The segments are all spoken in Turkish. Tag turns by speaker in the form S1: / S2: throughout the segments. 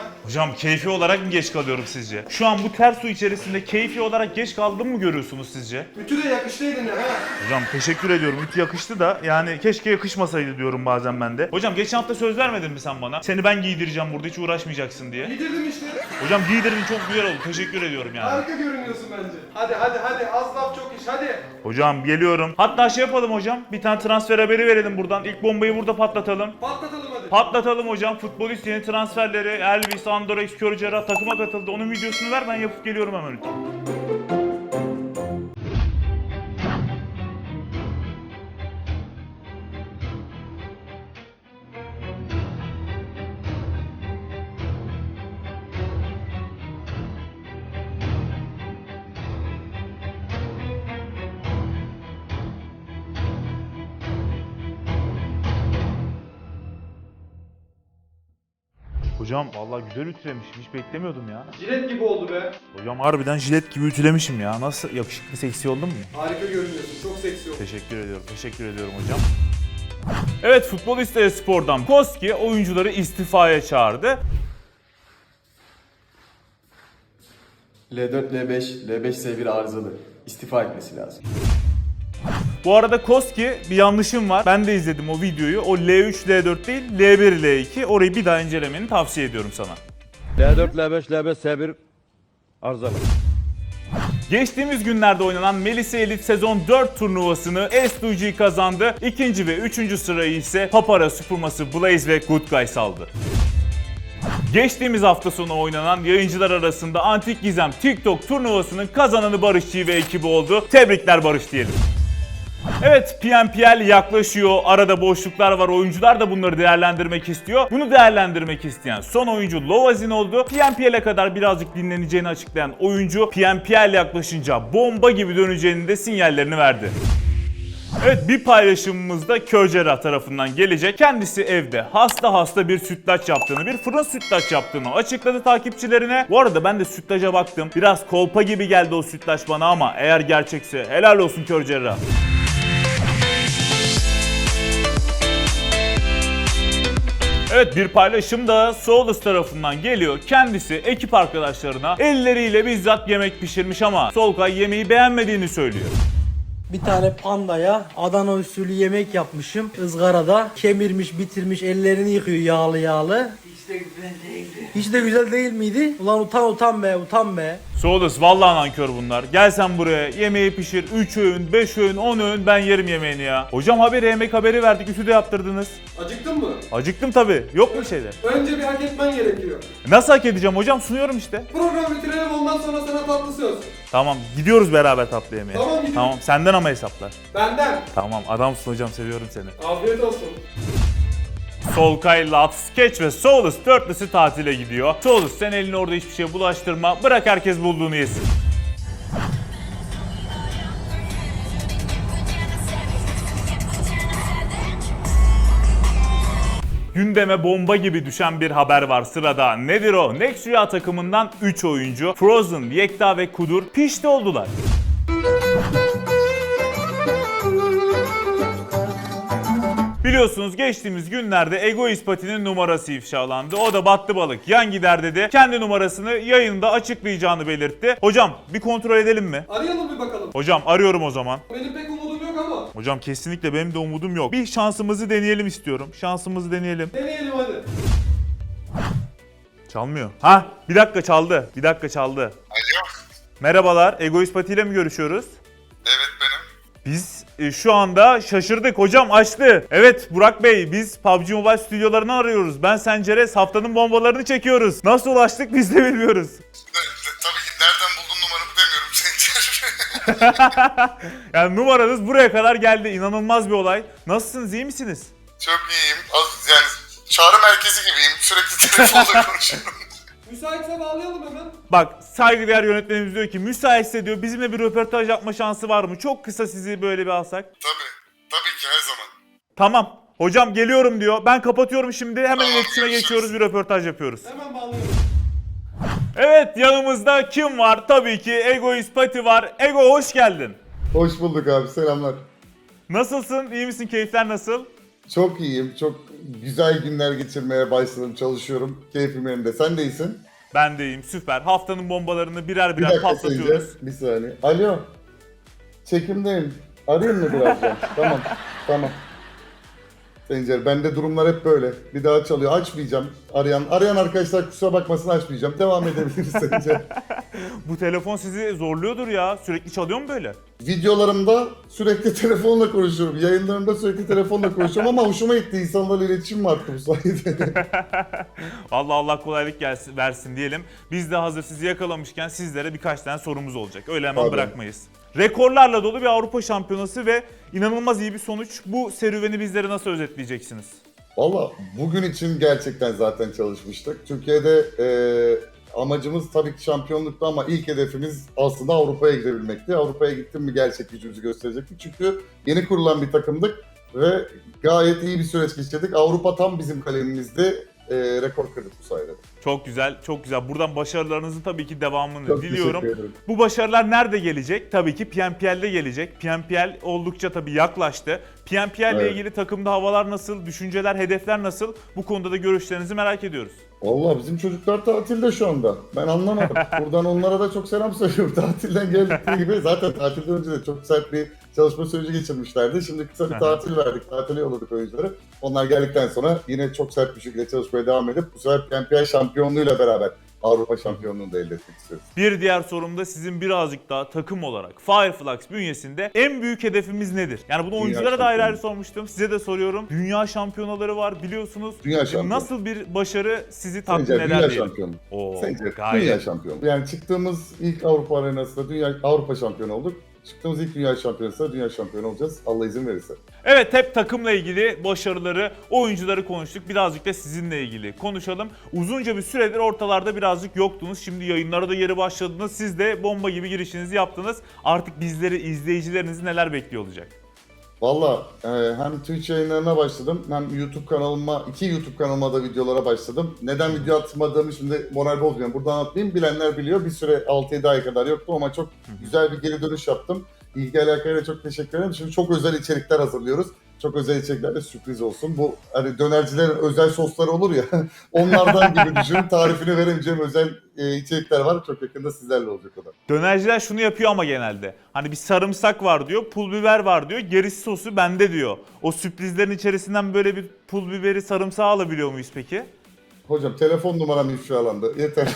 S1: Hocam keyfi olarak mı geç kalıyorum sizce? Şu an bu ter su içerisinde keyfi olarak geç kaldığımı mı görüyorsunuz sizce?
S2: Ütü de yakıştıydın ya ha.
S1: Hocam teşekkür ediyorum. Ütü yakıştı da yani keşke yakışmasaydı diyorum bazen ben de. Hocam geçen hafta söz vermedin mi sen bana? Seni ben giydireceğim burada, hiç uğraşmayacaksın diye.
S2: Giydirdim işte.
S1: Hocam giydirdin, çok güzel oldu. Teşekkür ediyorum yani.
S2: Harika görünüyorsun bence. Hadi az laf çok iş hadi.
S1: Hocam geliyorum. Hatta şey yapalım hocam. Bir tane transfer haberi verelim buradan. İlk bombayı burada patlatalım.
S2: Patlatalım hadi.
S1: Patlatalım hocam. Futbolist yeni transferleri. Elvis, Andorex, Körcera takıma katıldı. Onun videosunu ver, ben yapıp geliyorum hemen lütfen. Hocam vallahi güzel ütülemişim. Hiç beklemiyordum ya.
S2: Jilet gibi oldu be.
S1: Hocam harbiden jilet gibi ütülemişim ya. Nasıl, yakışıklı, seksi oldum mu?
S2: Harika görünüyorsun. Çok seksi oldu.
S1: Teşekkür ediyorum. Teşekkür ediyorum hocam. Evet, Futbolist Spor'dan Koski oyuncuları istifaya çağırdı.
S3: L4, L5, L5S1 arızalı. İstifa etmesi lazım.
S1: Bu arada Koski, bir yanlışım var. Ben de izledim o videoyu. O L3, L4 değil, L1, L2. Orayı bir daha incelemeni tavsiye ediyorum sana.
S4: L4, L5, L5, S1 arızalı.
S1: Geçtiğimiz günlerde oynanan Melisa Elite sezon 4 turnuvasını S2G kazandı. İkinci ve üçüncü sırayı ise Papara Süpürması Blaze ve Good Guys aldı. Geçtiğimiz hafta sonu oynanan yayıncılar arasında Antik Gizem TikTok turnuvasının kazananı Barış G ve ekibi oldu. Tebrikler Barış diyelim. Evet, PNPL yaklaşıyor. Arada boşluklar var. Oyuncular da bunları değerlendirmek istiyor. Bunu değerlendirmek isteyen son oyuncu Lovazin oldu. PNPL'e kadar birazcık dinleneceğini açıklayan oyuncu PNPL yaklaşınca bomba gibi döneceğinin de sinyallerini verdi. Evet, bir paylaşımımızda Körcera tarafından gelecek. Kendisi evde hasta bir sütlaç yaptığını, bir fırın sütlaç yaptığını açıkladı takipçilerine. Bu arada ben de sütlaca baktım. Biraz kolpa gibi geldi o sütlaç bana ama eğer gerçekse helal olsun Körcera. Evet, bir paylaşım da Solus tarafından geliyor. Kendisi ekip arkadaşlarına elleriyle bizzat yemek pişirmiş ama Solkay yemeği beğenmediğini söylüyor.
S5: Bir tane pandaya Adana usulü yemek yapmışım. Izgarada kemirmiş, bitirmiş, ellerini yıkıyor yağlı yağlı. Hiç de güzel değildi. Hiç de güzel değil miydi? Ulan utan be, utan be.
S1: Solus vallahi nankör bunlar. Gel sen buraya, yemeği pişir. 3 öğün, 5 öğün, 10 öğün ben yerim yemeğini ya. Hocam yemek haberi verdik, ütü de yaptırdınız.
S2: Acıktın mı?
S1: Acıktım tabii. Yok mu bir şeyler?
S2: Önce bir hak etmen gerekiyor.
S1: Nasıl hak edeceğim hocam? Sunuyorum işte.
S2: Program bitirelim, ondan sonra sana tatlı söz.
S1: Tamam, gidiyoruz beraber tatlı yemeğe.
S2: Tamam, gidiyoruz.
S1: Tamam, senden ama hesaplar.
S2: Benden.
S1: Tamam, adamsın hocam, seviyorum seni.
S2: Afiyet olsun.
S1: Solkay, Lux, Sketch ve Solus dörtlüsü tatile gidiyor. Solus, sen elini orada hiçbir şeye bulaştırma. Bırak herkes bulduğunu yesin. Gündeme bomba gibi düşen bir haber var sırada. Nedir o? Next Rüya takımından 3 oyuncu Frozen, Yekta ve Kudur pişti oldular. Biliyorsunuz geçtiğimiz günlerde Egoist Pati'nin numarası ifşalandı. O da battı balık yan gider dedi. Kendi numarasını yayında açıklayacağını belirtti. Hocam bir kontrol edelim mi?
S2: Arayalım bir bakalım.
S1: Hocam arıyorum o zaman.
S2: Benim pek umudum yok ama.
S1: Hocam kesinlikle benim de umudum yok. Bir şansımızı deneyelim istiyorum. Şansımızı deneyelim.
S2: Deneyelim hadi.
S1: Çalmıyor. Ha, bir dakika çaldı. Bir dakika çaldı.
S6: Alo.
S1: Merhabalar. Egoist Pati ile mi görüşüyoruz?
S6: Evet benim.
S1: Biz şu anda şaşırdık. Hocam açtı. Evet Burak Bey, biz PUBG Mobile stüdyolarını arıyoruz. Ben Senceres, haftanın bombalarını çekiyoruz. Nasıl ulaştık biz de bilmiyoruz.
S6: Tabii ki nereden buldun numaramı demiyorum Sencer.
S1: Yani numaranız buraya kadar geldi. İnanılmaz bir olay. Nasılsınız, iyi misiniz?
S6: Çok iyiyim. Yani çağrı merkezi gibiyim. Sürekli telefonla konuşuyorum.
S2: Müsaitse bağlayalım hemen.
S1: Bak, saygıdeğer yönetmenimiz diyor ki müsaitse diyor bizimle bir röportaj yapma şansı var mı? Çok kısa sizi böyle bir alsak.
S6: Tabii ki her zaman.
S1: Tamam. Hocam geliyorum diyor. Ben kapatıyorum şimdi. Hemen
S6: Tamam,
S1: iletişime
S6: görüşürüz.
S1: geçiyoruz. Bir röportaj yapıyoruz.
S2: Hemen bağlayalım.
S1: Evet, yanımızda kim var? Tabii ki Egoist Pati var. Ego hoş geldin.
S7: Hoş bulduk abi, selamlar.
S1: Nasılsın? İyi misin? Keyifler nasıl?
S6: Çok iyiyim. Çok güzel günler geçirmeye başladım. Çalışıyorum. Keyfim yerinde. Sen de iyisin.
S1: Ben de iyiyim, süper. Haftanın bombalarını birer
S6: Bir
S1: birer
S6: dakika
S1: patlatıyoruz.
S6: Sencer. Bir saniye. Alo. Çekimdeyim. Arayayım mı birazdan? Tamam. Sencer, bende durumlar hep böyle. Bir daha çalıyor. Açmayacağım. Arayan arkadaşlar kusura bakmasın, açmayacağım. Devam edebiliriz Sencer.
S1: Bu telefon sizi zorluyordur ya. Sürekli çalıyor mu böyle?
S6: Videolarımda sürekli telefonla konuşuyorum. Yayınlarımda sürekli telefonla konuşuyorum ama hoşuma gitti. İnsanlarla iletişim arttı bu sayede.
S1: Allah kolaylık versin diyelim. Biz de hazır sizi yakalamışken sizlere birkaç tane sorumuz olacak. Öyle hemen
S6: Tabii.
S1: bırakmayız. Rekorlarla dolu bir Avrupa Şampiyonası ve inanılmaz iyi bir sonuç. Bu serüveni bizlere nasıl özetleyeceksiniz?
S6: Valla bugün için gerçekten zaten çalışmıştık. Türkiye'de amacımız tabii ki şampiyonluktu ama ilk hedefimiz aslında Avrupa'ya gidebilmekti. Avrupa'ya gittim mi gerçek gücümüzü gösterecektik. Çünkü yeni kurulan bir takımdık ve gayet iyi bir süreç geçirdik. Avrupa tam bizim kalemimizde. Rekor kırdık bu sayede.
S1: Çok güzel, çok güzel. Buradan başarılarınızın tabii ki devamını
S6: Çok
S1: diliyorum.
S6: teşekkür ederim.
S1: Bu başarılar nerede gelecek? Tabii ki PNPL'de gelecek. PNPL oldukça tabii yaklaştı. PNPL ile
S6: Evet.
S1: ilgili takımda havalar nasıl, düşünceler, hedefler nasıl? Bu konuda da görüşlerinizi merak ediyoruz.
S6: Vallahi bizim çocuklar tatilde şu anda. Ben anlamadım. Buradan onlara da çok selam söylüyorum. Tatilden geldikleri gibi zaten tatilden önce de çok sert bir çalışma süreci geçirmişlerdi. Şimdi kısa bir tatil verdik. Tatile yolladık oyuncuları. Onlar geldikten sonra yine çok sert bir şekilde çalışmaya devam edip bu sefer PNPL şampiyonluğuyla beraber Avrupa şampiyonluğunu da elde etmek istiyoruz.
S1: Bir diğer sorum da sizin birazcık daha takım olarak Fireflux bünyesinde en büyük hedefimiz nedir? Yani bunu oyunculara da ayrı ayrı sormuştum. Size de soruyorum. Dünya şampiyonaları var biliyorsunuz.
S6: Dünya şampiyonu.
S1: Nasıl bir başarı sizi tatmin
S6: Sence
S1: eder
S6: dünya
S1: diyelim.
S6: şampiyonu.
S1: Oo,
S6: Sence
S1: gayet.
S6: dünya şampiyonu. Yani çıktığımız ilk Avrupa arenasında Avrupa şampiyonu olduk. Çıktığımız ilk dünya şampiyonasında dünya şampiyonu olacağız. Allah izin verirse.
S1: Evet, hep takımla ilgili başarıları, oyuncuları konuştuk. Birazcık da sizinle ilgili konuşalım. Uzunca bir süredir ortalarda birazcık yoktunuz. Şimdi yayınlara da geri başladınız. Siz de bomba gibi girişinizi yaptınız. Artık bizleri, izleyicilerinizi neler bekliyor olacak?
S6: Valla hem Twitch yayınlarına başladım hem YouTube kanalıma, 2 YouTube kanalıma da videolara başladım. Neden video atmadığımı şimdi moral bozmuyorum. Buradan anlatmayayım. Bilenler biliyor. Bir süre 6-7 ay kadar yoktu ama çok güzel bir geri dönüş yaptım. İlgi alakayla çok teşekkür ederim. Şimdi çok özel içerikler hazırlıyoruz. Çok özel içerikler de sürpriz olsun. Bu hani dönercilerin özel sosları olur ya onlardan gibi düşünün. Tarifini veremeyeceğim özel içerikler var. Çok yakında sizlerle olacak o da.
S1: Dönerciler şunu yapıyor ama genelde. Hani bir sarımsak var diyor, pul biber var diyor, gerisi sosu bende diyor. O sürprizlerin içerisinden böyle bir pul biberi, sarımsağı alabiliyor muyuz peki?
S6: Hocam telefon numaram ifşalandı. Yeter.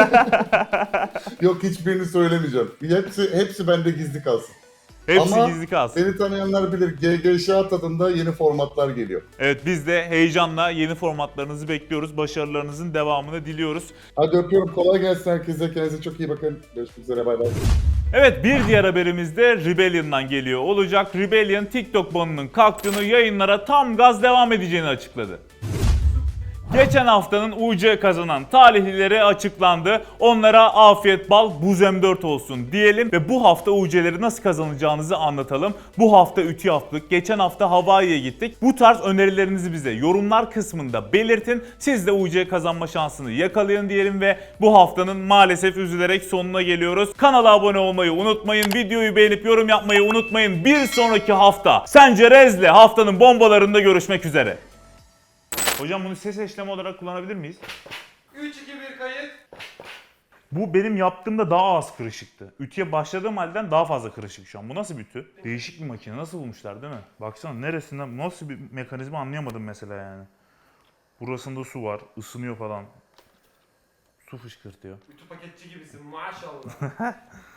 S6: Yok hiçbirini söylemeyeceğim. Hepsi bende gizli kalsın.
S1: Hepsi
S6: Ama
S1: gizli kalsın.
S6: beni tanıyanlar bilir. GGŞA tadında yeni formatlar geliyor.
S1: Evet, biz de heyecanla yeni formatlarınızı bekliyoruz. Başarılarınızın devamını diliyoruz.
S6: Hadi öpüyorum. Kolay gelsin herkese. Kendinize çok iyi bakın. Görüşmek üzere. Bay bay.
S1: Evet, bir diğer haberimiz de Rebellion'dan geliyor olacak. Rebellion TikTok banının kalktığını, yayınlara tam gaz devam edeceğini açıkladı. Geçen haftanın UC kazanan talihlileri açıklandı. Onlara afiyet bal buz M4 olsun diyelim ve bu hafta UC'leri nasıl kazanacağınızı anlatalım. Bu hafta ütü yaptık. Geçen hafta Hawaii'ye gittik. Bu tarz önerilerinizi bize yorumlar kısmında belirtin. Siz de UC kazanma şansını yakalayın diyelim ve bu haftanın maalesef üzülerek sonuna geliyoruz. Kanala abone olmayı unutmayın. Videoyu beğenip yorum yapmayı unutmayın. Bir sonraki hafta Sencerez'le haftanın bombalarında görüşmek üzere. Hocam bunu ses eşleme olarak kullanabilir miyiz?
S2: 3-2-1 kayıt.
S1: Bu benim yaptığımda daha az kırışıktı. Ütüye başladığım halden daha fazla kırışık şu an. Bu nasıl bir ütü? Değişik bir makine. Nasıl bulmuşlar değil mi? Baksana neresinden, nasıl bir mekanizma anlayamadım mesela yani. Burasında su var, ısınıyor falan. Su fışkırtıyor.
S2: Ütü paketçi gibisin maşallah.